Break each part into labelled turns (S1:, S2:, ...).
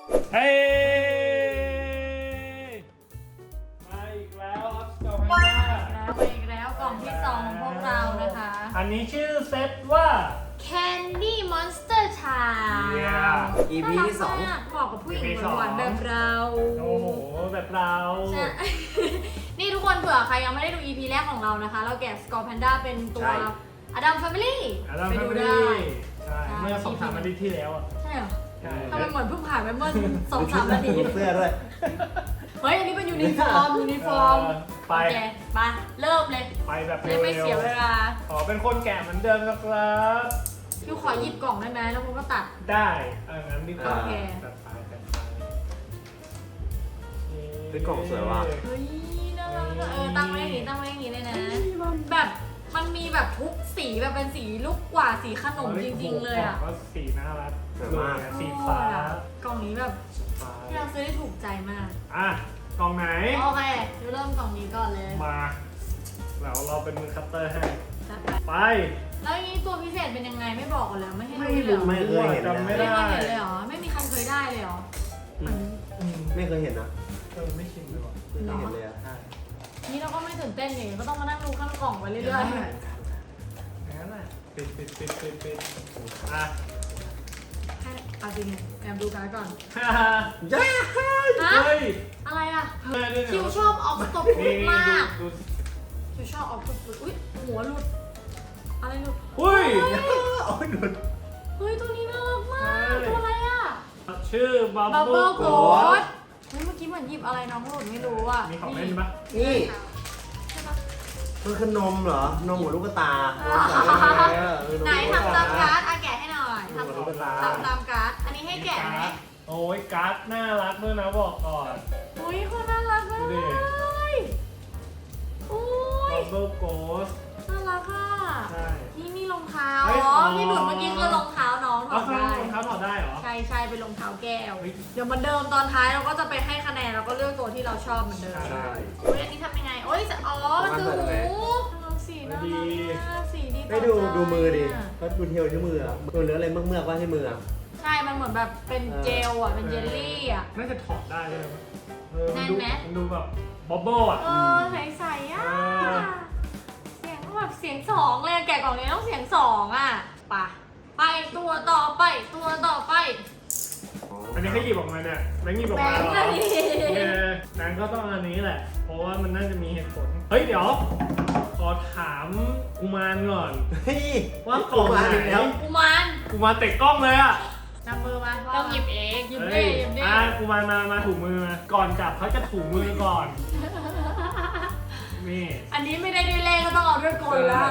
S1: เฮ้ยมาอีกแล้วครับกล่องมา
S2: แล้วไปอีกแล้วกล่องที่2ของพวกเรานะคะ
S1: อันนี้ชื่อเซตว่า
S2: Candy Monster Time
S3: EP ที่2
S2: เหมาะกับผู้หญิงหวานๆแบบเรา
S1: โอ้โหแบบเรา
S2: ใช่ นี่ทุกคนเผื่อใครยังไม่ได้ดู EP แรกของเรานะคะ เราแกะ Skull Panda เป็นตัว Adam Family ไปดูได้
S1: ใช่เมื่อ2-3 อาทิตย์ที่แล้วอ่ะ
S2: ใช่เหรอ
S1: ใช่
S2: ทำไมเหมือนเพิ่งผ่านไปเมื่อ 2-3 นาที
S3: เสื้อด้วย
S2: เฮ้ย อันนี้เป็นยูนิฟอร์ม
S1: ไป
S2: โอเคไปเริ่มเลย
S1: ไปแบบ
S2: ไม่
S1: เร็
S2: เสียว เวลา
S1: ๆขอเป็นคนแกะเหมือนเดิมนะครับ
S2: คิวขอหยิบกล่องได้ไหมแล้วผมก็ตัด
S1: ได้งั้นดีกว่า
S2: โอเค
S1: จัดไป
S3: เป็นกล่องสวยว่ะ
S2: เฮ้ยน่ารักอะตั้งไว้อย่างนี้เลยนะ แบบมันมีแบบทุกสีแบบเป็นสีลูกกว่าสีขนมจริงๆเลยอ่ะ
S1: ก็สีน่ารัก
S3: สวยมาก
S1: สีฟ้าก
S2: ล่องนี้แบบที่เราซื้อได้ถูกใจมาก
S1: อ่ะกล่องไหน
S2: โอเคเดี๋ยวเริ่มกล่องนี้ก่อนเลย
S1: มาแล้วเราเป็นมือคัตเตอร์ให้
S2: จัดไป
S1: ไป
S2: แล้วนี้ตัวพิเศษเป็นยังไงไม่บอกกันเลยไม่ให้
S3: ไม่
S2: ดู
S3: รู้
S2: เลย
S3: ไม่เคยเห็น
S1: จำไม่
S2: ไม่
S1: ได้
S2: เคยเห็นเลยเหรอไม่มีใครเคยได้เลยเหรอ
S3: ไม่เคยเห็นนะ
S1: ไม่ชินเลยว่ะ
S3: ไม่เคยเห็นเลยอะ
S1: ใช่
S2: นี่เราก็ไม่ตื่นเต้นอย่างก็ต้องมานั่งดูข้างกล่องไปเรื่อย
S1: งั้นน่ะปิดอ่ะ
S2: ๆให้เอาจริงแอบดูกันก่อน
S1: ฮ่าฮ่า
S3: ย่า
S2: ฮะ
S1: เฮ้ย
S2: อะไรอ่ะ
S1: เฮ้ยด้วย
S2: คิว
S1: เนี่ย
S2: ชอบออกตบ
S1: นี่
S2: มาก
S1: ดู
S2: คิวชอบออกตบอุ้ยหัวหลุดอะไรหลุด
S1: อุ้ย
S3: โอ้ยหนุน
S2: เฮ้ยตัวนี้น่ารักมากตัวอะไรอ่ะ
S1: ชื่อบับ
S2: บับ
S1: เบิ้
S2: เบิ้
S1: ล
S2: ล
S1: โก
S2: โก
S1: ด
S2: ดเฮ้ยเมื่อกี้เหมือนหยิบอะไรน้องหลุดไม่รู้อ่ะ
S1: มีของเล่นปะ
S3: นี่
S2: ใช่ปะ
S3: มันคือนมเหรอ นมหัวลูกตา
S2: ไหนทำตามการ์ดอ่ะแกะให้หน่อย
S3: นมหัวลูกตา
S2: ทำตามการ์ดอันนี้ให้แกะไหม
S1: โอ้ยการ์ดน่ารักด้วยนะบอกก่อน
S2: อุ้ยคนน่ารักมา
S1: ดู
S2: ก
S1: ดิ
S2: เลยอุ้ย
S1: บับเบิ้ลโกด
S2: น่ารักอ่ะ
S1: ใช่
S2: นี่มีรองเท้า
S1: เฮ้ย
S2: อ๋อ
S1: อ๋อ
S2: ที่หลุดเมื่อกี้คือรองเท้าน้องถ
S1: เอา
S2: อด
S1: ข้าง
S2: ได้
S1: รองเท้าถอดได้เหรอ
S2: ใช่ใช่เป็นรองเท้าแก้ว
S1: เฮ้ย
S2: เดี๋ยวเหมือนเดิมตอนท้ายเราก็จะไปให้คะแนนแล้วก็เลือกตัวที่เราชอบเหมือนเดิม
S1: ใช่
S2: โอ้ยอันนี้ทำยังไงโอ้ยอ๋อมันคือหูสีน่ารักมากสีดีต่
S3: ไม่
S2: อ
S3: ดู
S2: ใจ
S3: ดูมือดิก็ดูเทลที่มืออะดูเนื้ออะไรเมือกๆว่าที่มืออะ
S2: ใช่ มันเหมือนแบบเป็นเจลอ่ะ เป็นเจลลี่อ่ะ
S1: น่าจะถอดได้เลยมั
S2: แน่นไหม
S1: มันดูแบบบับเบิ้ลอ่ะ
S2: ใสๆอ่ะ
S1: เออ
S2: เสียงแบบเสียงสองเลยอะแกะกล่องนี้ต้องเสียงสองอ่ะไปตัวต่อไปตัวต่อไป
S1: อันนี้เขาหยิบออกมาเนี่ยแบงค์หยิบออก
S2: แบ
S1: มาง
S2: ค์
S1: เหรอ
S2: อะดิ
S1: แบงค์ก็ต้องอันนี้แหละ เพราะว่ามันน่าจะมีเหตุผล เฮ้ยเดี๋ยว ขอถามกุมารก่อน
S3: เฮ้ย
S1: ว่ากล่องไหน
S3: แล้ว
S2: กุมาร
S1: กุมารเตะกล้องเลยอ่ะ
S2: นำมือมาต้องหยิบเองหยิบ
S1: เฮ้
S2: ดิ
S1: ย
S2: หยิบดิ
S1: กุมารมาถูมือมาก่อนจับเขาจะถูมือก่อน นี่
S2: อันนี้ไม่ได้ด้วยเลขก็ต้องเอาด้วยกลละ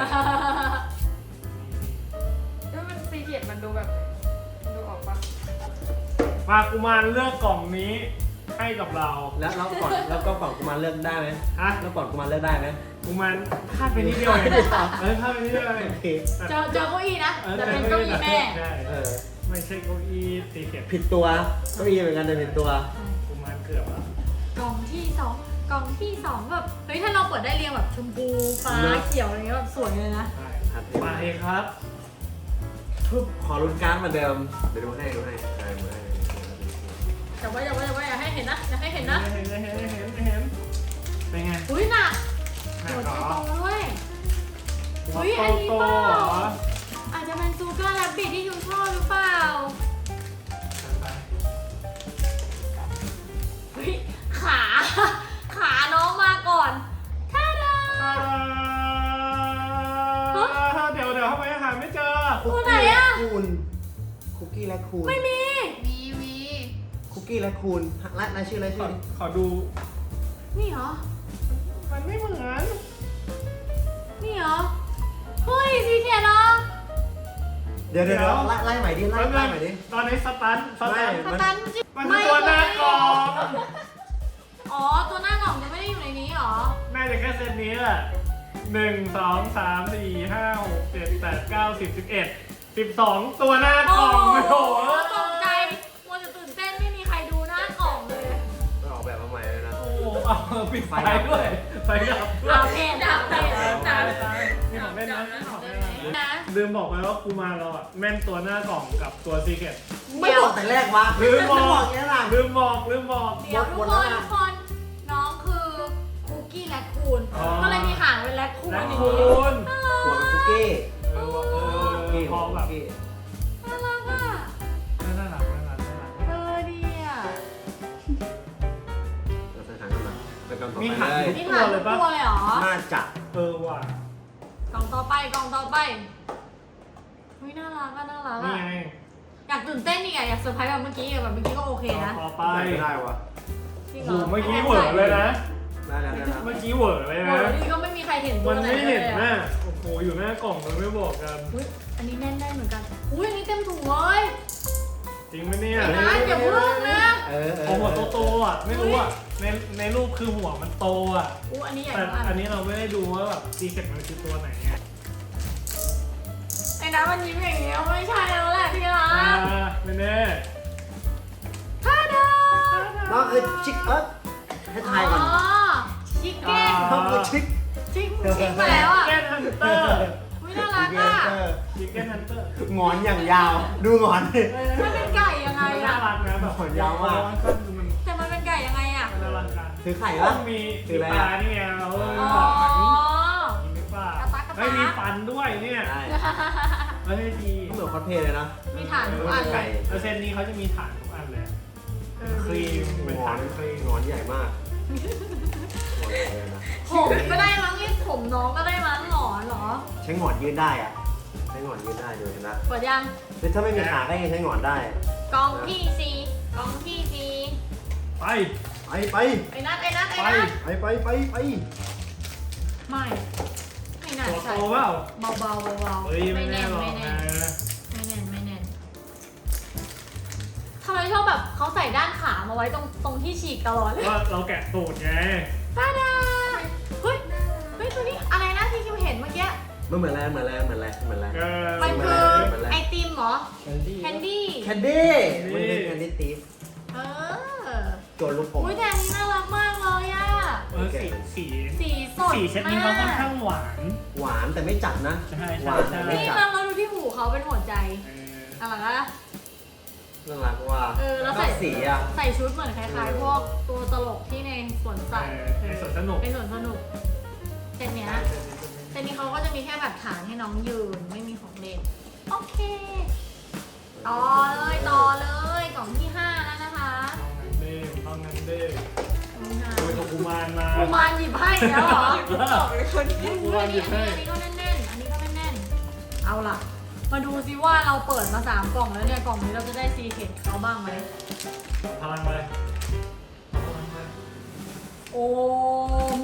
S4: ด้วยมันซีเรียสมันดูแบบดูออกปะ
S1: มากุมารเลือกกล่องนี้ให้กับเรา
S3: แล้วก่อนแล้วก็ก่อนกูมาเลือกได้ไหม
S1: ฮะ
S3: แล้วก่อนกูมาเลือกได้ไหม
S1: กุมารพลาดไปนิดเดียวเองพลาดไปนิดเดียวเอง
S3: โอเค
S2: เจอเก้าอี้นะจะเป็นเก้าอี้แม่
S1: ใช่
S3: เออ
S1: ไม่ใช่เก้าอี้ตีเข็ม
S3: ผิดตัวเก็มีเหมือนกันแต่ผิดตัว
S1: กุมารเกือบแล้ว
S2: กล่องที่สองกล่องที่สองแบบเฮ้ยถ้าเราเปิดได้เรียงแบบชมพูฟ้าเขียวอะไรเงี้ยแบบสวยเลยนะ
S1: ใช่มาเองครับ
S3: ปึ๊บขอลุ้นการ์ดเหมือนเดิม เดี๋ยวดูให้ใช่ดูให้
S2: อย่าไว้อย่าให้เห็นนะอย่าให้เห็นนะ
S1: เห็นเป็นไง
S2: อุ้ยหนัก
S1: หนั
S2: หั
S1: ก
S2: ว
S1: เหร
S2: ใจ
S1: อ
S2: โตด้วย
S1: หัว
S2: อุ๊ยอันนี้
S1: โต
S2: เปล่า
S1: ๆเหรอ
S2: อาจจะเป็นซูเกอร์แรบบิทที่ยูชอบหรือเปล่าเฮ้ยขาน้องมาก่อนท่าดา
S1: เดี๋ยวทำไมหาไม่เจอ
S2: ตัวไหนอะ
S3: คุกกี้และคูน
S2: ไม่มี
S4: มี
S3: คุกกี้และคูนรายชื่อรายชื่อ
S1: ขอดู
S2: นี่เหรอ
S1: มันไม่เหมือน
S2: นี่เหรอเฮ้ยสีเขียวเนาะ
S3: เดี๋ยวไล่ใหม่ดิไล่ใหม่ดิ
S1: ตอนนี้สตัน
S3: ไม่
S2: สตันจิ
S1: มันคือตัวหน้ากล่อง
S2: อ๋อตัวหน้ากล่องจะไม่ได้อยู่ในนี้เหรอ
S1: น่าจะแค่เซตนี้แหละ1 2 3 4 5 6 7 8 9 10 11 12 ตัวหน้ากล่องโอ้โห
S2: ตกใจมัวจะตื่นเต้นไม่มีใครดูหน้ากล่องเลย
S3: ออกแบบมาใหม่เลยนะ
S1: โอ้โหเอาปิดไฟด้วยไฟดับด้วย
S2: เอาเพจดับเพจดับ
S1: นี่ของเล่นนะนี่ของเล่นนะ
S2: นะ
S1: ลืมบอกไปว่ากูมาเราอ่ะแม่นตัวหน้ากล่องกับตัวซีเกต
S2: น
S3: ไม่บอกแต่แรกวะ
S1: ลืมบอก
S3: อย่างนี้ล่ะ
S1: ลืมบอก
S2: เดี๋ยวทุกคนน้องคือคุกกี้แรคคูน
S1: อ๋อ
S2: ก็เลยมีหางเป็นแรคคูน
S1: แล้
S2: อย่าง
S1: คุ
S2: นี้
S1: ณ
S3: หัวเป็นคุกกี้
S1: พอแบบ
S2: น่ารักอ่ะ
S1: น่ารัก
S2: ดีอ่ะ
S3: เราจะหากันมาไปกันต่อ
S1: มี
S3: ไป
S1: หาง
S3: เลย
S2: นี่หางทุกตัวเลยเหรอ
S3: น่าจะ
S1: ว่ะ
S2: กล่องต่อไปเฮ้ยน่ารักอ่ะ
S1: นี่ไง
S2: อยากตื่นเต้นอีกอ่ะอยากเซอร์ไพรส์แบบเมื่อกี้แบบเมื่อกี้ก็โอเคนะ
S1: ต่อไป
S3: ไม่ได้วะ
S2: จริงเหร
S1: โอ้
S2: อ
S1: เมื่อกี้เหวอเลยนะ
S3: ได้แล้วได้แล้ว
S1: เมื่อกี้เหวอเลย
S2: โอ้
S1: นะ
S2: ยนี่ก็ไม่มีใครเห็นตั
S1: มั
S2: วน ไหน
S1: ไม่
S2: เล
S1: เห็
S2: ย
S1: น
S2: อะ
S1: นะโอ้โหอยู่หน้ากล่องเลยไม่บอกกัน
S2: อุ้ยอันนี้แน่นได้เหมือนกันอุ้ยอันนี้เต็มถุงเลย
S1: จริงไหมเนี่ย
S2: ไอ้นัทอย่าเพิ่งนะ
S1: เอาหัวโตๆอ่ะไม่รู้อ่ะในรูปคือหัวมันโตอ่ะ
S2: อู้อันนี้ใหญ่
S1: แต่
S2: มาก
S1: อันนี้เราไม่ได้ดูว่าแบบซีเค็ตมันคือตัวไหนไง
S2: ไอ้นัทมันยิ้มอย่างเงี้ยไม่ใช่แล้วแหละพี่รัก
S1: ไม่แน่
S2: ท่าดา
S3: น้องคือชิคให้ทายก่อน
S2: ชิคเก้น
S3: น้องคือชิค
S2: ชิคมาแล้วอ่ะ
S1: ชิคเก้นฮันเตอร์
S2: อุ้ยน่ารักอ่ะ
S1: ชิคเก้นฮันเตอร์
S3: งอนอย่างยาว ดูงอนดิ
S2: มันเป็นไก่ยังไง
S1: น่า
S2: อ่ะ
S1: รักนะแบบ
S3: ขนยาวมาก
S1: มัน
S2: แต่มันเป็นไก่ยังไงอ่ะ
S1: น่ารักกัน
S3: ถือไข่
S1: ต้
S3: ปะ
S1: องมี
S3: คืออะไร
S1: ตา
S3: อะ
S1: นี่ไงเรา
S2: อ๋อ
S1: มีหรือเปล่าก
S2: ระตากระตา
S1: ไม่มีฟันด้วยเนี่ย
S3: ได้
S1: เฮ้ยดี
S3: เหมือนคอสเพลย์เลยนะ
S2: มีฐานทุกอันเลย
S1: แล้วเซนนี้เขาจะมีฐานทุกอันเลย ครีมเป็น
S3: งอ
S1: ฐาน นครีม
S3: งอนใหญ่มากงอนใหญ่เลยนะ
S2: ผมก็ได้มั้งนี่ผมน้องก็ได้มั้งหรอ
S3: ใช้งอนยืดได้อะใช้งอนยืดได้ดูนะ
S2: เปิดยัง
S3: คือถ้าไม่มีขาก็ยังใช้งอนได้
S2: กล่องที่สี่กล่องที่สี่
S1: ไป
S3: ไป
S2: ไอ้นัท
S1: ไป
S3: ไป
S2: ไม่น่า
S1: ตัวโต
S2: ใช่
S1: เปล่า
S2: เบาๆ
S1: เฮ้ยไม่
S2: ไม่
S1: แน่
S2: แน่น
S1: หรอก
S2: ไม่แน่
S1: นะ
S2: ไม่แน่นไม่แน่นทำไมชอบแบบเขาใส่ด้านขามาไว้ตรงที่ฉีกตลอดเลย
S1: ว่าเราแกะตูดไง
S2: ตาดาเฮ้ยตัวนี้อะไรนะที่คิวเห็นเมื่อกี้
S3: มันเหมือนอะไรเหมือนอะไรเหมือนอะไรเหมือนอะไร
S2: มันคือไอติมเหรอ แคนดี้
S3: แคนดี้มันคือแคนดี้ตีฟ
S2: เออ
S3: โจรลูกอม
S2: อุ้ยแต่อันนี้น่ารักมากเลยอะ
S1: สี
S2: สีสด
S1: สีเช็ดนี้เขาค่อนข้างหวาน
S3: หวานแต่ไม่จัดนะ
S1: ใช่
S3: หวานแต่ไม่
S2: นี่
S3: จัด
S2: เราดูที่หูเขาเป็นหัวใจอะไรนะ
S3: น่ารักว่า
S2: แล้วใส่
S3: สีอ่ะ
S2: ใส่ชุดเหมือนคล้ายๆพวกตัวตลกที่ในสวนสัตว์
S1: ในสวนสนุก
S2: ในสวนสนุกเซตเนี้ยเซตนี้เขาก็จะมีแค่แบบฐานให้น้องยืนไม่มีของเล่นโอเคต่อเลยกล่องที่5แล้วนะคะ
S1: ต้องงั้นเด้
S2: กล่องที่ห้า
S1: โดยตัวกุมารมา
S2: กุมารหยิบให้แล้วเหรอ
S1: กุมารหยิบให้
S2: อันนี้ก็แน่นๆอันนี้ก็แน่นๆเอาล่ะ มาดูซิว่าเราเปิดมา3กล่องแล้วเนี่ยกล่องนี้เราจะได้ซีเคร็ตเขาบ้างไหม
S1: พลังไป
S2: โอม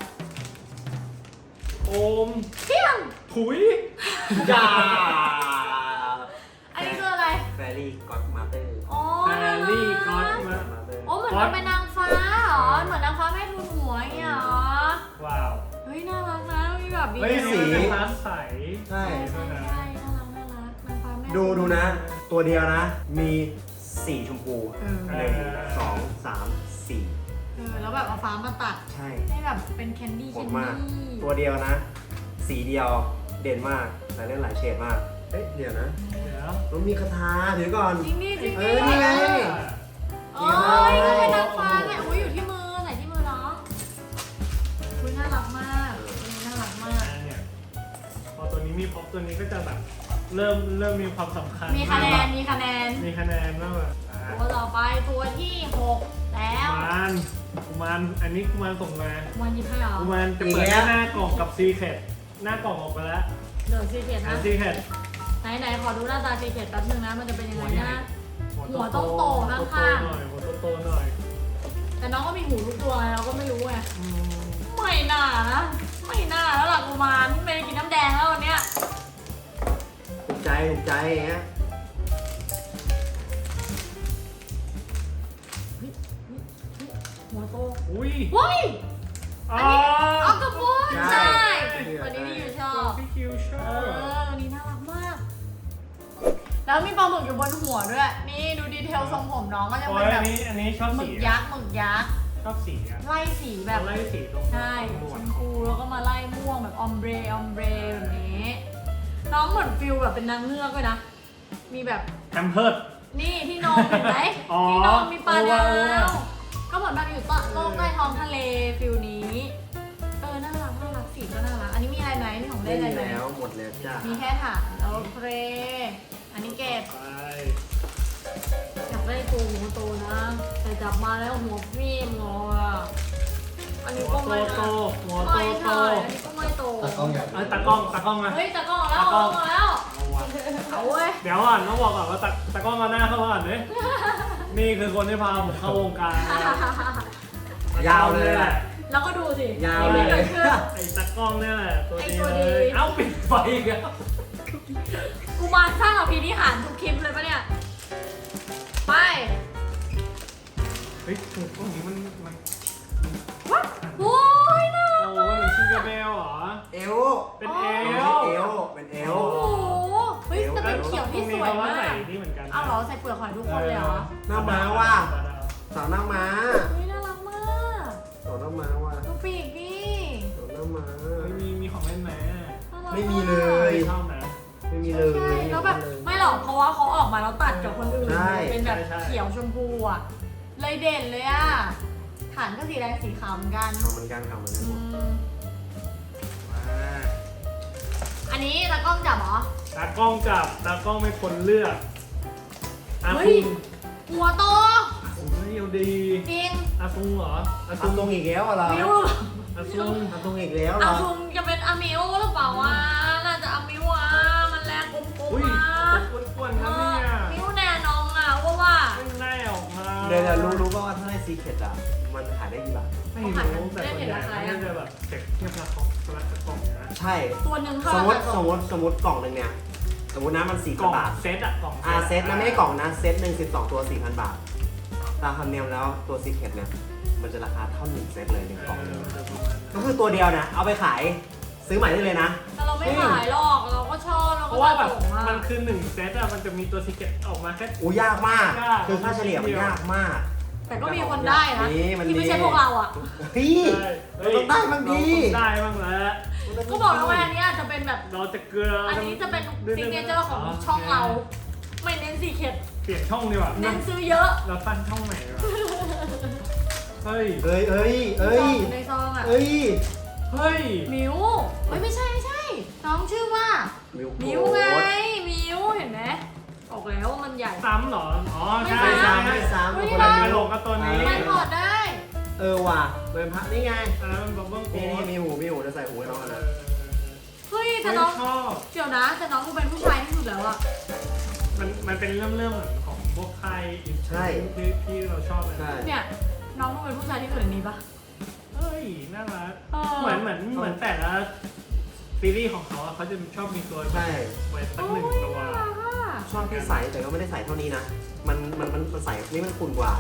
S1: โอม
S2: เที่ยง
S1: ถุย
S3: จ้า
S2: อันนี้คืออะไร
S3: แฟรี่ก็อดมาเตอร์
S2: อ๋อ
S1: แฮร์รี่ก็อดมา
S3: มาเตอร์
S2: โอ้เหมือนมันเป็นนางฟ้าเหรอ เหมือนนางฟ้าแม่ทุนหัวอย่างเงี้ยเหรอ
S1: ว้าว
S2: เฮ้ยน่ารักนะมีแบบดี
S1: เฮ้ยสีเป็นฟ้าใส
S3: ใช่
S2: ใช่น่ารักนางฟ้าแม่
S3: ดูนะ ตัวเดียวนะ มีสีชมพู
S2: เออ
S3: 1 2 3 4
S2: แล้วแบบเอาฟ้ามาตัด
S3: ใช่
S2: ให้แบบเป็นแคนดี้
S3: โห
S2: แค
S3: ด
S2: น
S3: มาก
S2: ดี้
S3: ตัวเดียวนะ สีเดียวเด่นมาก แต่เล่นหลายเฉดมาก เฮ้ย เดี๋ยวนะ
S1: เดี๋ยว
S3: มันมีคาถาถือก่อน
S2: จริงดิจริง
S3: เอ
S2: ดิ
S3: อนี่ไง
S2: โอ้ยก็เป็นนางฟ้าไงอุ้ยอยู่ที่มือไหนที่มือน้องอุ้ยน่ารักมากน่ารักมาก
S1: เนี่ยพอตัวนี้มีพ็อปตัวนี้ก็จะแบบเริ่มมีความสำคัญ
S2: มีคะแนน มีคะแนน
S1: มีคะแนนมากแบบ
S2: ตัวต่อไปตัวที่6แล้ว
S1: กุมารอันนี้กุมารส่งมา
S2: วันยี่ห้าเหรอ
S1: กุมารจะเปิดหน้ากล่องกับซีเคทหน้ากล่องออกไปแล้ว
S2: เดี๋ยวซีเคร็ต
S1: อั
S2: นะ
S1: นซีเคท
S2: ไหนขอดูหน้าตาซีเคร็ตแป๊บนึงนะ มันจะเป็นยังไงนะ หัวต้องโตข้างๆ
S1: หัวโตหน่อย
S2: แต่น้องก็มีหูทุกตัวไงเราก็ไม่รู้ไง
S1: อืม
S2: ไม่น่านะ ไม่น่าแล้วล่ะกุมารไม่ได้กินน้ำแดงแล้ววันเนี้ย
S3: ถูกใจอย่างเงี้ย
S2: หัวโต
S1: อุ้ย
S2: เฮ้ย
S1: อ๋อ
S2: ออกกระปุนใช่ตัวนี้พี่ยูชอบ
S1: พี่คิวชอ
S2: เอบ อตัวนี้น่ารักมาก แล้วมีปลาหมึกอยู่บนหัวด้วย นี่ดูดีเทลทรงผมน้องก็จะ
S1: โอ้
S2: เป็น
S1: ย
S2: แบบ
S1: อันนี้ชอบ
S2: หมึ
S1: สี
S2: กยักษ์หมึกยักษ์
S1: ชอบสีอ่ะ
S2: ไล่สีแบบ
S1: ไล่สีตรง
S2: ใช่
S1: หน
S2: ช
S1: วด
S2: มพูแล้วก็มาไล่ม่วงแบบออมเบรแบบนี้ น้องเหมือนฟิลแบบเป็นนางเงือกด้วยนะ มีแบบ
S1: แฮมเพิร์ด
S2: นี่ที่นอนเห็นไหม
S1: อ๋อ
S2: ที่นอนมีปลาดา
S1: เออ
S2: วก็เหมือนแบบอยู่โลกใต้ท้องทะเลฟิลนี้น่ารักสีก็น่ารักอันนี้มีอะไรไหมมีของเล่นอะไรไหม
S3: แล้วหมดแล้วจ้า
S2: มีแค่ถาดโอเคอันนี้เก็บ
S1: ไป
S2: อยากได้ตัวหัวโตนะแต่จับมาแล้วหัวฟิล์มงออันนี้ก็ไม่
S1: โต
S2: นะ
S1: หัวโต
S2: ไม่
S1: โต
S2: ใช่อันนี้ก็ไม่โต
S5: ตากล้องอยาก
S1: เอ้ยตากล้องมา
S2: เฮ้ยตะกล้องแล้ว
S1: ตะกล้อง
S2: เอาแล้ว
S1: เอาวะ
S2: เอาเว้ย
S1: เดี๋ยวก่อนต้องบอกก่อนว่าตากล้องมาหน้าเข้ามาก่อนเลยนี่คือคนที่พาผมเข้าวงการนะ
S3: ยาวเลย
S1: แหละ
S2: แล้วก็ดูสิ
S3: ยาวเลย
S2: นี่กิดขึ้น
S1: ไอ้ตากล้องเนี่ยแหละตัว
S2: ไอ้
S1: ดี
S2: ตัว
S1: เล
S2: ดี
S1: ยเอ้าปิดไฟอีกแล้ว
S2: กูมารสร้างอภินิหารทุกคลิปเลยปะเนี่ยไป
S1: เฮ้ยถูกตรงนี้มัน
S2: โอ้ยน่า
S1: โอ้มันชิงกาเบลเหรอ
S3: เอว
S1: เป็นเอ
S3: เอ
S1: ล
S3: วเอวเป็นเอว
S2: โอ้โหเฮ้ยแต่เป็นเขียวที่สวย
S1: ตรงนี้เข
S2: มา
S1: ใส่
S2: ก
S1: นี่เหมือนกัน
S2: เอาเหรอใส่เปลือกหอยทุกคนเลยเหรอ
S3: หน้าม้าว่ะสาวหน้าม้า
S2: เฮ้ยน่ารักมาก
S3: สาวหน้าม้าว่ะ
S2: ดูปีกดิ
S3: สาวหน้าม้า
S1: มีของเล่นไหม
S2: น่ารักาก
S3: ไม่มีเลย
S1: ชอบไหม
S3: ไม่มีเลย
S2: ใช่แล้วแบบไม่หรอกเพราะว่าเขาออกมาแล้วตัดกับคนอื่น
S3: ใช่
S2: เป็นแบบ
S1: ใช่
S2: เขียวชมพูอ่ะเลยเด่นเลยอ่ะฐานก็สีแดงสีขาวเหมือนกัน
S3: ทำเหมือนกันทำเหมือนกัน
S2: อื
S3: หมด
S2: ม
S1: มา
S2: อันนี้ตากล้องจับเหรอ
S1: ตากล้องจับตากล้องเป็นคนเลือกอา
S2: เฮ้
S1: ซุ
S2: ย
S1: ง
S2: หัวโต
S1: โอ้ยเอาดี
S2: จริง
S1: อาซุงเหรออาซุ
S3: ทำ
S1: ง
S3: ตรงอีกแล้วเหรอ
S2: มิว
S1: อาซุง
S3: ทำตรงอีกแล้วเหร
S2: อา
S3: อ
S2: ซุงจะเป็นอามิวหรือเปล่าวะน่าจะอามิวอ่ะมันแรงกลม
S1: อุ้ย
S2: ๆอ่ะ
S1: อ้วนๆนะเนี่ย
S2: มิวแน่นอนอ่ะว่า
S1: ไม่แน่ออกมา
S3: เดี๋ยวรู้ป่ะว่าถ้าได้ซีเคร็ตอ่ะมันขายได้กี่บาท
S1: ไม่รู้แต่ส่วนใหญ่มันจะแบบเก็บเทียบราคากล่องนะ
S3: ใช่
S2: ตัวหนึ่งเท่า
S3: สมม
S2: ไหร่
S3: ติสมมติกล่องหนึ่งเนี่ยสมมตินะมัน
S1: กล่อง
S3: 4,000 บาท
S1: เซตอะกล่อง
S3: เซตนะไม่ได้กล่องนะเซตหนึ่ง12 ตัว 4,000 บาทตามธรรมเนียมแล้วตัวซีเคร็ตเนี่ยมันจะราคาเท่า1 เซตเลย1 กล่องก็คือตัวเดียวนะเอาไปขายซื้อใหม่ได้เลยนะ
S2: แต่เราไม่ขายหรอกเราก็ชอบเรา
S1: เพ
S2: ก็
S1: ราะว่าแบบ
S2: ส่งอ่ะ
S1: มันคือ1 เซตอะมันจะมีตัวซิกเก็ตออกมาแค่
S3: อู้ยากมาก
S1: ยาก
S3: คือค่าเฉลี่ยมันยากมาก
S2: แต่ก็มีคนได้นะ
S3: นี่มัน
S2: ที่ไม่
S3: มี
S2: ใช่พวกเราอ่ะ
S3: พี่
S1: เฮ้ย
S3: เราต้องได้บ้างดิ
S1: เราต้องได้บ้างแล้ว
S2: ก็บอกแล้วว่าอันนี้อาจจะเป็นแบบ
S1: เราจะเกลือ
S2: อั
S1: อั
S2: นนี้จะเป็นซิกเนเจอร์ของช่องเรา ไม่เน้นสีเข็ด
S1: เปลี่ยนช่องดีกว่า
S2: เน้นซื้อเยอะ
S1: เราตั้งช่องใหม่ดีกว่าเฮ้ย
S3: เอ้ยเอ้ยเอ้ย
S2: อยู่ในซองอ่ะ
S3: เอ้ย
S1: เฮ้ย
S2: มิวเฮ้ยไม่ใช่น้องชื่อว่า มิวไงมิวเห็นไหมบอกแล้วว่ามันใหญ่
S1: ซ้ำเหรอ อ๋อ ใช่
S2: ไม่
S1: ใช่
S2: ซ้ำ
S3: ไม่ซ้ำ
S2: ไม่
S3: คน
S2: ซ้
S3: ละ
S1: ไป
S3: มิ
S1: ล
S3: ว
S1: งกับตัวนี้
S2: มันถอดได้
S3: ว่ะเป็นพระนี่ไง
S1: อันนั้นมันบับเบิ้ลโค้
S3: นี่
S1: ด
S3: มีหูจะใส่หูให้น้องกันนะ
S2: เฮ้ยแต่
S1: ไม่
S2: น้อง
S1: ชอบ
S2: เดี๋ยวนะแต่น้องกูเป็นผู้ชายที่สุดแล้วอะ
S1: มันเป็นเรื่องเหมือนของพวกไทยที่เราชอบเลย
S3: ใช่
S2: เนี่ยน้องกูเป็นผู้ชายที่สุดในนี้ปะ
S1: เฮ้ย น่ารัก
S2: เออ
S1: เหมือนแต่ละซีรีส์ของเขาอะเขาจะชอบมีตัว
S3: ใช่
S1: ไว้สัก
S2: โอ้
S1: หนึ่ง
S2: ย
S1: ตัว
S2: น่ารักอะ
S3: ชอบที่ใส่แต่ก็ไม่ได้ใส่เท่านี้นะ มันใส่นี่มันขุ่นกว่า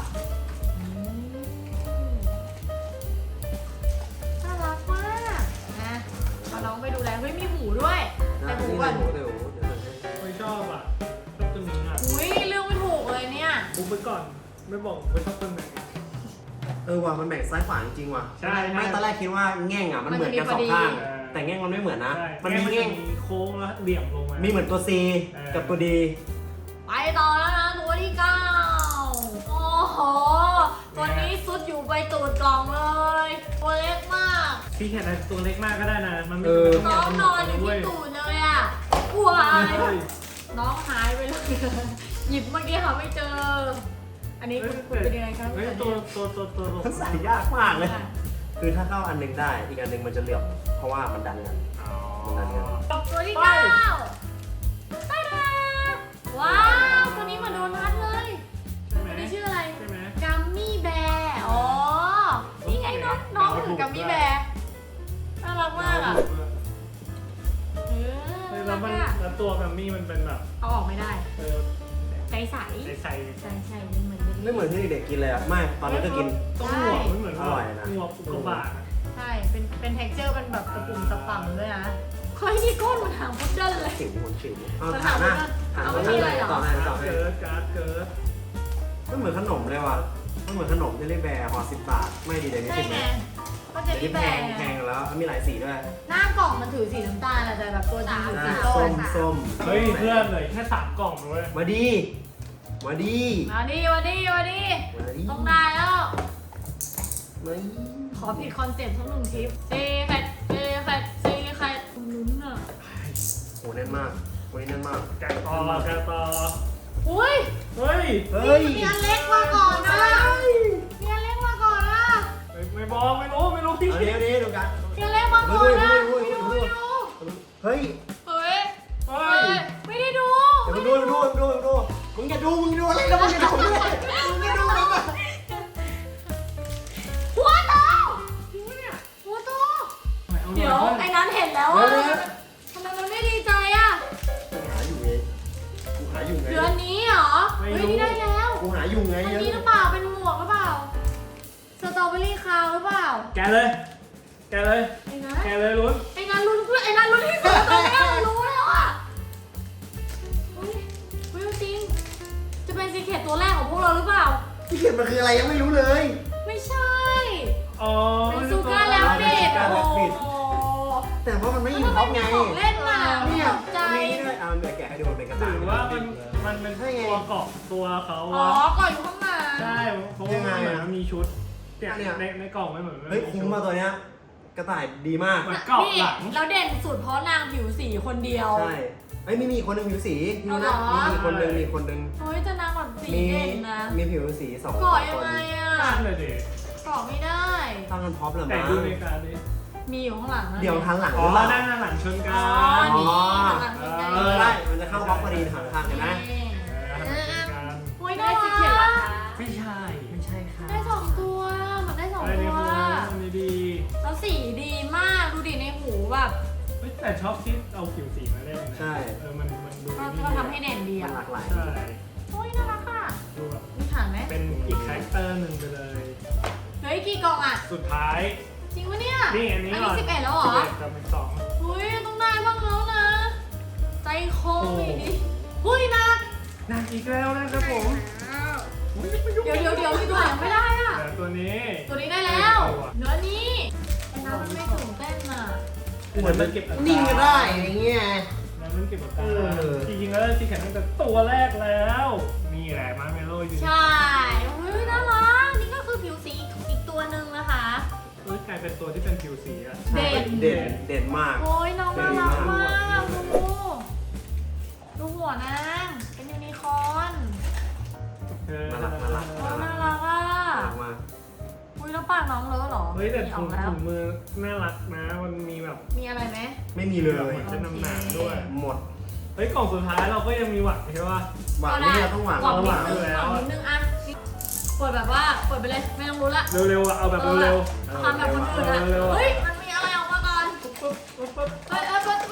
S2: น่ารักมากนะเอาน้องไปดูแลเฮ้ยมีหูด้วยแต่หูก่อน
S3: เดี๋ยว
S1: ไม่ชอบอ่ะชอบตัวนี้อ่ะ
S2: อุ้ยเรื่องไม่ถูกเลยเนี่ย
S1: บุ๊กไปก่อน ไม่บอกไม่ชอบตัวไหน
S3: ว่ะมันแบ่งซ้ายขวาจริงๆว่ะ
S1: ใช่
S3: ไม่ตอนแรกคิดว่าแง่งอ่ะมันเหมือนกันสองข้าง แต่แง่งมันไม่เหมือนนะ
S1: ใช่
S3: มันมี
S1: จะ
S3: แง่ง
S1: มีโค้งแล้วเหลี่ยมลงมา
S3: มีเหมือนตัว C กับตัว D
S2: ไปต่อแล้วนะตัวที่9โอ้โหตัวนี้ซุดอยู่ไปตูดกล่องเลยตัวเล็กมาก
S1: พี่แค่ตัวเล็กมากก็ได้นะ มันไม่
S2: น้องนอนอยู่ที่ตูดเลยอ่ะกลัวน้องหายไปเลยหยิบเมื่อกี้หาไม่เจอ อันนี้คุณเป็นยังไงครับ
S1: เฮ้ยตัว
S3: มันใส่ยากมากเลย คือถ้าเข้าอันหนึงได้ อีกอันหนึงมันจะเหลี่ยม เพราะว่ามันดันกัน
S2: ตัวที่9ตาดาว้าวตัวนี้เหมาโดนัทเลย
S1: ใช่ไหม
S2: ตัวนี้ชื่ออะไร
S1: ใช่ไหม
S2: กัมมี่แบร์อ๋อ นี่ไงน้องถือกัมมี่แบร์น่ารักมากอ่ะ
S1: แล้วมัน
S2: น่ารักอะ
S1: แล้วตัวแกมมี่มันเป็นแบบ
S2: เอาออกไม่ได้ ใสใส
S1: ใส่
S2: ใช่ใช่มันเหมือน
S3: ไม่เหมือนที่เด็กๆกินเลยอ่ะ ไม่ ตอนนี้ก็กิน
S1: ต้องหัวมันเหมือน
S3: อร่อยนะ
S1: หัวอุกกาบาต
S2: ใช่ เป็นเท็กเจอร์เป็นแบบตะปุ่มตะป่ำด้วยนะเฮ้ยนี่ก้นมันหางพุดเดิ้ลเลย
S3: ฉิวมันฉิวเอา
S2: มัน
S3: ถามนะ
S2: ถาม
S3: ถาม
S2: ว่า
S3: ว่า
S2: มีอะไรเหรอ
S3: ต่อให้ต่อให้
S1: การ์ดเกิร์ด
S3: มันเหมือนขนมเลยว่ะมันเหมือนขนมที่เรียกแบร์ห่อ10 บาท ไม่ดีเดี๋ยวนี้
S2: ใช่
S3: 10
S2: ไง
S3: นะ
S2: ก็จะ
S3: เดี๋ยว
S2: มี
S3: นี้
S2: แบ
S3: แพ
S2: ร์
S3: งแพงแล้วมีหลายสีด้วย
S2: หน้ากล่องมันถือสีน้ำตาลอะแต่แบบตัวจริงอยู่สี
S3: ส้ม
S2: อะ
S3: ส้ม
S1: เฮ้ยเพื่อนเลยแค่3 กล่องเลย
S3: มาดีมาดี
S2: มาดิ
S3: มาดี
S2: ต้องได้แล้ว
S3: มาดี
S2: ขอผิดคอนเซ็ปต์สักหนึ่งทริปซีแคทลุ้นอ่ะ
S3: โหแน่นมากวันนี้แน่นมาก
S1: แกะต่อแกะต่อ
S2: อุ้ย
S1: เฮ้ย
S3: เฮ้ย
S2: มีอันเล็กมาก่อนนะมีอันเล็กมาก่อนนะ
S1: ไม่บอกไม่รู้พี่
S3: เอานี้ดูกัน
S2: มีอันเล็กมาก่อนนะไม่ดู
S3: เฮ้ย
S2: เฮ้ย
S1: เฮ้ย
S2: ไม่ได้ดู
S3: เดี๋ยวมึงดูมึงอย่าดูอะไรแล้วมึงอย่าดูด้วยมึงอย่าดูแล้ว
S2: หัวโตหัวโตเดี๋ยวไอ้นั้นเห็นแล้วอ่ะทำไมมันไม่ดีใจอ่ะ
S3: กูหาอยู่ไง
S2: เดือนนี้เหรอเฮ้ยนี่ได้แล้ว
S3: กูหาอยู่ไง
S2: อันนี้หรือเปล่าเป็นหมวกหรือเปล่าสตรอเบอรี่คาวหรือเปล่า
S1: แกะเลย
S2: ไอ้นั้น
S1: แกะเลยลุ้น
S2: ไอ้นั้นลุ้นที่สุดตอนนี้รู้แล้วอ่ะเฮ้ยจริงจะเป็นซีเคทตัวแรกของพวกเราหรือเปล่า
S3: ที่เขียนมันคืออะไรยังไม่รู้เลย
S2: ไม่ใช่
S1: อ๋อ
S2: เป็นซูการ์แล้วเด็ดโอ้โห
S3: แต่ว่ามันไม่
S2: แล้ว
S3: ยิง
S2: ทำไม
S3: ท็อป
S2: มี
S3: ไง
S2: ของเล่นมา
S3: เนี่ย
S2: ตกใจ
S3: มีด้วยเอาเดี๋ยวแกะให้ดูมันเป็นกระดาษ
S1: ถือว่ามันเป็นตัวเกาะตัวเขา
S2: อ๋อ
S1: อะ
S2: ก่อนอยู่ข้างหลัง
S1: ใช่เพราะว่ามันเหมือนมีชุดเนี่ยในกล่องไม่เหมือน
S3: เฮ้ยคุ้มมาตัวเนี้ยกระต่ายดีมาก
S1: เหมือนเกาะหลัง
S2: แล้วเด่นสุดเพราะนางผิวสีคนเดียว
S3: ใช่ไอ้ยมีคนหนึ่งผิวสีดู
S2: เอาเหร
S3: นะ
S2: อ
S3: มีคนหนึ่ง
S2: เฮ้ยแต่นางแบบสี
S3: มี
S2: เด่นนะ
S3: มีผิวสีสอง
S2: ก่อ
S3: ค
S2: ยัง
S3: น
S2: ไงอ่ะ
S1: ตั้งเลยดิ
S2: ก่อไม่ได้
S3: ตั้งกันพร็อปเลย
S1: แต่
S3: มั้ง
S1: ดูในการนี้
S2: มีอยู่ข้างหลังนะ
S3: เดี๋ยวทันหลัง
S1: อ๋อ
S3: หรือเปล่า
S1: ด้านหลังชนกั
S2: อ๋
S1: น
S2: อนี่ข้างหลังมี
S3: ได้มันจะเข้าบล็อกพอดีทางข้างเห็นไหม
S2: โอ้ย
S4: ได้
S2: น่า
S4: ซี
S2: รั
S4: เขียนราคา
S1: ไม่ใช่
S3: ไม่ใช่ค่ะ
S2: ได้สองตัวมันได้สอง
S1: อะไร
S2: ตั
S1: เนี่
S2: ว
S1: มันดี
S2: แล้วสีดีมากดูดิในหูแบบ
S1: แต่ชอบที่เอาผิวสีมาเล่นนะ
S3: ใช่
S1: มันดู
S2: ก็ทำให้เด่นดี
S3: มัน
S2: อ่ะ
S3: หลากหลาย
S1: ใช่
S2: โอ้ยน่ารักอ่ะ
S1: ดูแบบ
S2: มีฐานไหม
S1: เป็นอีกคาแรคเตอร์หนึ่งไปเลย
S2: เฮ้ยกี่กล่องอ่ะ
S1: สุดท้าย
S2: จริงปะเนี่ย
S1: นี่อันนี้
S2: อัน
S1: ก่
S2: นี้
S1: อน
S2: 11แล้วเหรอ
S1: 11กับอีก2
S2: เฮ้ยต้องได้บ้างแล้วนะ ใจคออีกดิเฮ้ยนะ
S1: นางอีกแล้วนะครับผม
S2: เดี๋ยวมีตัวยังไม่ได้อ่ะ
S1: แต่ตัวนี้
S2: ตัวนี้ได้แล้วเนื้อนี้ไอ้น้ำมันไม่ตื่นเต้นอ่ะ
S3: เหมือนมัน
S1: เก็บอาการ
S3: นิ่งก็ได้อย่างเงี้ย
S1: มันเก็บอาการ
S3: เออ
S1: จริงๆแล้วที่แข็งตั้งแต่ตัวแรกแล้วนี่แหละมาร์เมโล่อยู่
S2: ใช่เฮ้ยน่ารักนี่ก็คือผิวสีอีกตัวหนึ่งนะคะ
S1: กลายเป็นตัวที่เป็นผิวสีอะ
S2: เด่น
S3: เด่นมาก
S2: โอ้ยน้องน่ารักมากดูหัวนางเป็นยูนิคอร์น
S3: น่ารัก
S2: โอ้น่ารักอ่ะ
S3: หลังมา
S2: อุ้ยแล้วปากน้องเลอะเหรอ
S1: เฮ้ยแต่
S2: อ
S1: ถุ
S2: อง กแล้ว
S1: มือน่ารักนะมันมีแบบ
S2: มีอะไรไหม
S3: ไม่มีเลย
S1: เหมือนจะนำหนักด้วย
S3: หมด
S1: เฮ้ยกล่องสุดท้ายเราก็ยังมีหวังใช่ป่ะ
S3: หวังนี่เราต้องหวัง
S2: หวัง
S1: หวัง
S2: นิดนึง
S1: แล้ว
S2: หวังนิดนึงอ่ะเปิดแบบว่าเปิดไปเลยไม่ต้องรู้ละ
S1: เร็วๆอะเอาแบบเร็ว
S2: ทำแบบคนอื่นอ่ะ
S1: เร็วๆ
S2: เฮ้ยมันมีอะไรออกมาก่อน
S1: ๆปุ๊บปุ๊บปุ๊บ
S2: เฮ้ย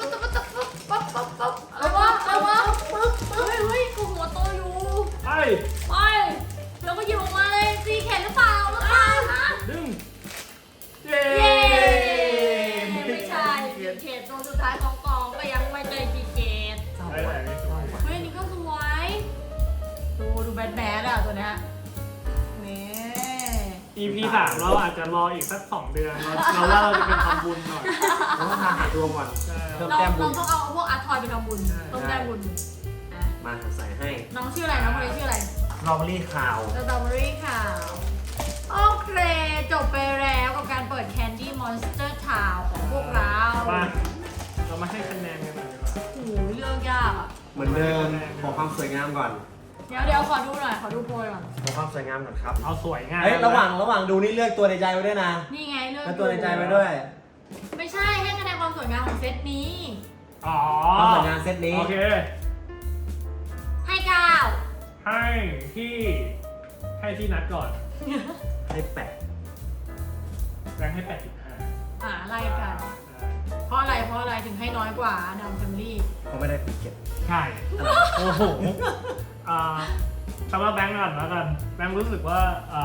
S2: อะไรวะเฮ้ยกูหัวโตอยู่
S1: ไป
S2: ไปแล้วก็หยิบออกมาเลยซีเข็นหรือเปล่านะ
S1: ดึงเย้
S2: เย้ไม่ใช่ซีเข็นตัวสุดท้ายของกองก็ยังไม่ได้ซีเข็น
S1: ได้ไหนไม่สวย
S2: เฮ้ยอันนี้ก็สวยดูแบดอ่ะตัวเนี้ยนี่
S1: EP 3เราอาจจะรออีกสัก2 เดือนเราว่าเราจะเป็นทำบุญหน่อย
S3: เราต้องหาดวงก่อน
S1: ใช่
S3: เพิ่ม
S2: เรา
S3: แต้มบุญ
S2: ต้องเอาพวกอาร์ทอยไปทำบุญต้องได้บุญอ่ะ
S3: มาใส่ให้
S2: น้องชื่ออะไรน้องคนนี้ชื่ออะไร
S3: ลอเบอรี่ขาว
S2: สตรอเบอรี่ค่ะโอเคจบไปแล้วกับการเปิด Candy Monster Town ของพวกเรา
S1: มาเรามาให้คะแนนกันหน่อยดีกว่า
S2: โอ้โหเรื่องยากอ่ะ
S3: เหมือนเดิมขอความสวยงามก่อน
S2: เดี๋ยวขอดูหน่อยขอดูโพยก่อน
S3: ขอความสวยงามก่อนครับ
S1: เอาสวยงาม
S3: เฮ้ยระหว่างดูนี่เลือกตัวในใจไว้ด้วยนะ
S2: นี่ไงเรื่อง
S3: แล้วตัวในใจไว้ด้วย
S2: ไม่ใช่ให้คะแนนความสวยงามของเซตนี้
S1: อ๋อ
S3: ความสวยงามเซตนี้
S1: โอเค
S2: ให้ก้าว
S1: ให้ที่นัดก่อน
S3: ให้แปะ
S1: แบงค์ให้ 85
S2: ไล่กันเพราะอะไรถึงให้น้อยกว่าดำแฟมิลี่
S3: เขาไม่ได้ปิดเก็บ
S1: ใช่ โอ้โหสำหรับแบงค์ก่อนแล้วกันแบงค์รู้สึกว่า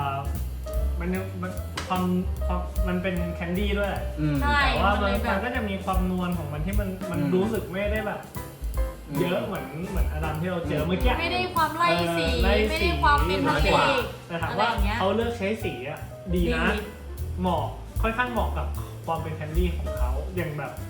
S1: มันเป็นแคนดี้ด้วย
S2: ใช่
S1: แต่ว่า
S2: มันเลยแบบ
S1: มันก็จะมีความนวลของมันที่มันรู้สึกไม่ได้แบบ เยอะเหมือนอดัมที่เราเจอเมื่อกี้
S2: ไม่ได้ความไล่สี
S1: ไล่
S2: ไม่
S1: สี
S2: ได้ความเป็นพลาสติก
S1: แต่ถามว่า
S2: อะไรอย่างเงี้ย
S1: เขาเลือกใช้สีอะดีนะ เหมาะค่อนข้างเหมาะกับความเป็นแคนดี้ของเขาอย่างแบบ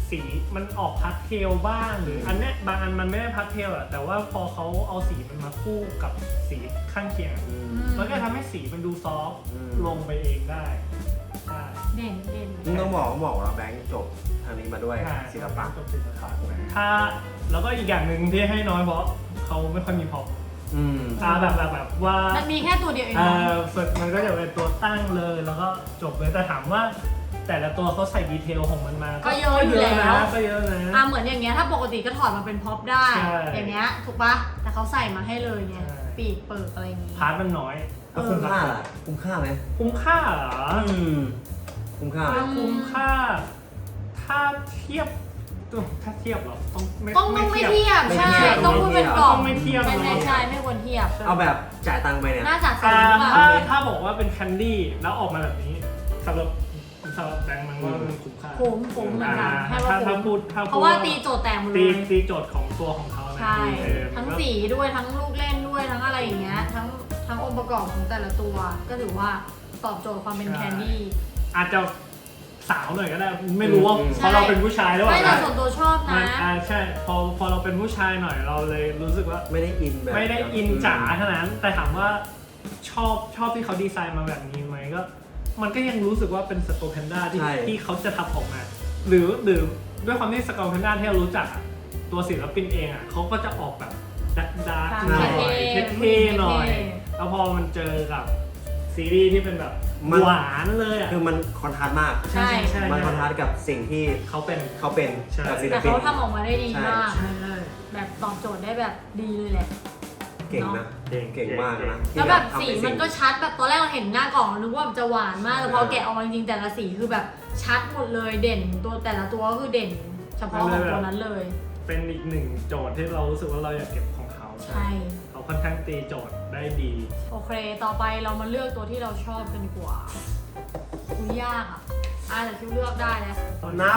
S1: สีมันออกพาสเทลบ้างหรืออันเนี้ยบางอันมันไม่ได้พาสเทลอะแต่ว่าพอเขาเอาสีมันมาคู่กับสีข้างเคียง มันก็ทำให้สีมันดูซอฟต์ลงไปเองได้ใช่
S2: เด่นเด่น
S3: มึงต้องบอกว่าแบงค์จบทางนี้มาด้วยศิลปะ
S1: จบศิลปะถ้าแล้วก็อีกอย่างหนึ่งที่ให้น้อยเพราะเขาไม่ค่อยมีพอปแบบว่า
S2: มันมีแค่ตัวเดียวเอง
S1: ฝึกมันก็จะเป็นตัวตั้งเลยแล้วก็จบเลยแต่ถามว่า แต่ละตัวเขาใส่ดีเทลของมันมา
S2: ก็เยอะอยู่แล้ว
S1: ก็เยอะนะ
S2: เหมือนอย่างเงี้ยถ้าปกติก็ถอดมาเป็นพ็อปได้
S1: ใช่
S2: อย่างเงี้ยถูกปะแต่เขาใส่มาให้เลยเนี่ย
S1: ใช่
S2: ปีกเปิดอะไรอย่างงี้
S1: พาร์ทมันน้อย
S3: แล้วคุ้มค่าล่ะคุ้มค่าไหม
S1: คุ้มค่าเหรอ
S3: คุ้มค่าไหม
S1: คุ้มค่า ถ้าเทียบเหรอต้องไม่
S2: ต้องไม่เทียบใช่ต้องพูดเป็นกล่อง
S1: ไม่เทียบ
S2: ใช่ไม่ควรเทียบ
S3: เอาแบบจ่ายตังค์ไปเนี่ย
S2: น่าจะสูงกว่า
S1: ถ้าบอกว่าเป็นแคนดี้แล้วออกมาแบบนี้สำหรับแบงค์มันว่ามันคุ้มค่า
S2: คุ้มเหมือนกันให้ว่า
S1: ถ้า
S2: คุ้ม
S1: พูด
S2: เพราะว่าตีโจทย์แต่งหมดเลย
S1: ตีโจทย์ของตัวของเขานะ
S2: ใช่ ทั้งสีด้วยทั้งลูกเล่นด้วยทั้งอะไรอย่างเงี้ยทั้งองค์ประกอบของแต่ละตัว ก็ถือว่าตอบโจทย์ความเป็นแคนดี้
S1: อาจจะสาวหน่อยก็ได้ไม่รู้ว่าเพราะเราเป็นผู้ชายหรือเป
S2: ไม่
S1: ล่า
S2: แต่ส่วนตัวชอบนะ
S1: ใช่พอเราเป็นผู้ชายหน่อยเราเลยรู้สึกว่า
S3: ไม่ได้อินแบบ
S1: ไม่ได้อินจ๋าเท่านั้น แต่ถามว่าชอบที่เขาดีไซน์มาแบบนี้ไหมก็มันก็ยังรู้สึกว่าเป็นสโตแพนด้าที่เขาจะทำออกมา หรือด้วยความที่สโตแพนด้าที่เรารู้จักอะตัวศิลปินเองอ่ะเขาก็จะออกแบบดาร์กหน่อยเท่ๆหน่อย แล้วพอมันเจอกับซีรีส์ที่เป็นแบบหวานเลยอ่ะ
S3: คือมันคอนทราสต์มาก
S2: ใช่
S3: มันคอนทราสต์กับสิ่งที่
S1: เขาเป็น
S3: กับศิล
S2: แต่
S3: ปิน
S2: เขาทำออกมาได้ดีมาก
S1: ใช่
S2: แบบตอบโจทย์ได้แบบดีเลยแหละ
S3: เก่งนะ เก่งมากนะ
S2: แล้วแบบสีมันก็ชัดแบบตอนแรกเราเห็นหน้ากล่องนึกว่าจะหวานมากแต่พอแกะออกมาจริงๆแต่ละสีคือแบบชัดหมดเลยเด่นตัวแต่ละตัวก็คือเด่น เฉพาะของตัวนั้นเลย
S1: เป็นอีกหนึ่งโจทย์ที่เรารู้สึกว่าเราอยากเก็บของเขา
S2: ใช่
S1: เขาค่อนข้างตีโจทย์ได้ดี
S2: โอเคต่อไปเรามาเลือกตัวที่เราชอบกันดีกว่าอุ้ยยากแต่คิวเลือกได้แล้ว
S3: นับ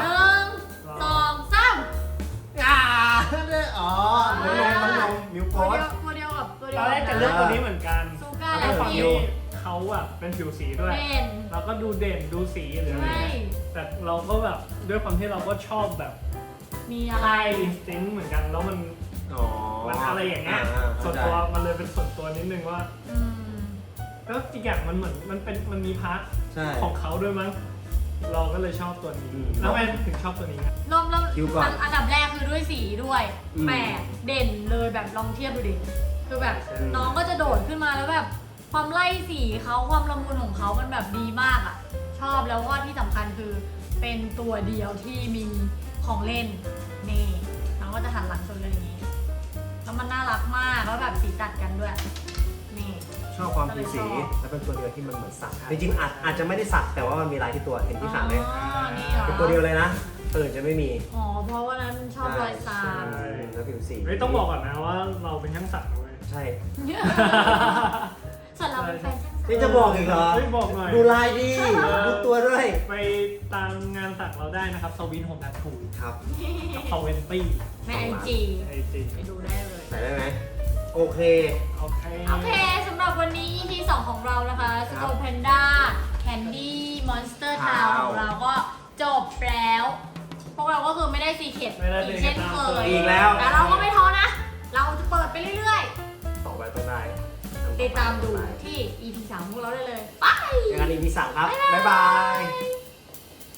S2: 1 2 3
S3: อ๋อน้องมิวโพ
S2: ตัวเดียวกับตัวเดี
S1: ต
S2: ยว
S1: อนแรกจะเลือกตัวนี้เหมือนกัน
S2: ซูก้า
S1: แล้ว
S2: และ
S1: ความ
S2: ฟิ
S1: ที่
S2: ว
S1: เขาอะเป็นผิวสีด้วย
S2: เด่น
S1: เราก็ดูเด่นดูสีหรืออะไร
S2: ใช่
S1: เงี้ยแต่เราก็แบบด้วยความที่เราก็ชอบแบบ
S2: มีอะไร
S1: ไออินสติ้งเหมือนกันแล้วมันอะไรอย่างเงี้ยส่วนตัวมันเลยเป็นส่วนตัวนิดนึงว่า
S2: อืม
S1: แล้วอีกอย่างมันเหมือนมันมีพาร์ท
S3: ใช่
S1: ของเขาด้วยมั้งเราก็เลยชอบตัวนี้แล้วทำไมถึงชอบตัวนี้ครับ
S2: เริ่ม
S3: คิวก่อน
S2: อันดับแรกคือด้วยสีด้วย
S3: อืม
S2: แปลกเด่นเลยแบบลองเทียบดูดิคือแบบ
S1: ใช่
S2: น้องก็จะโดดขึ้นมาแล้วแบบความไล่สีเขาความละมุนของเขามันแบบดีมากอ่ะ ชอบแล้วก็ที่สำคัญคือเป็นตัวเดียวที่มีของเล่นนี่น้องก็จะหันหลังชนเลยอย่างนี้แล้วมันน่ารักมากแล้วแบบสีตัดกันด้วยนี่
S3: ชอบความผิวสีและเป็นตัวเดียวที่มันเหมือนสักจริงๆอาจจะไม่ได้สักแต่ว่ามันมีลายที่ตัวเห็นที่ขาไหม
S2: อ๋อนี่เหรอ
S3: เป็นตัวเดียวเลยนะอื่นจะไม่มี
S2: อ๋อเพราะว่านั้นชอบรอยสัก
S3: แล้วผิวสี
S1: เฮ้ยต้องบอกก่อนนะว่าเราเป็นช่างสักนะเว้ย
S3: ใช่
S2: ส่วนเราเป็นแฟนช่างสัก
S3: นี่จะบอกอีกเหรอ
S1: เฮ้ยบอกหน่อย
S3: ดูลายดีดูตัวด้วย
S1: ไปตามงานสักเราได้นะครับสวินโฮมแอททู
S3: ครับ
S1: กับพาเวนตี้
S2: ในไอจี
S1: ไอจี
S2: ไปดูได้เลย
S3: ใส่ได้ไหมโอเค
S1: โอเค
S2: โอเคสำหรับวันนี้ EP 2 ของเรานะคะสโตแพนด้าแคนดี้มอนสเตอร์ทาวของเราก็จบแล้ว พวกเราก็คือไม่ได้ซีเคร็ตอีกเช่นเคย
S3: อีกแล้ว
S2: แต่เราก็ไม่ท้อนะ เราจะเปิดไปเรื่อย
S3: ต่อไปต้องได้
S2: ๆ ติดตามดูที่ EP 3 ของพวกเราได้เลย ไป
S3: เจอกัน EP 3ครับ บ๊ายบาย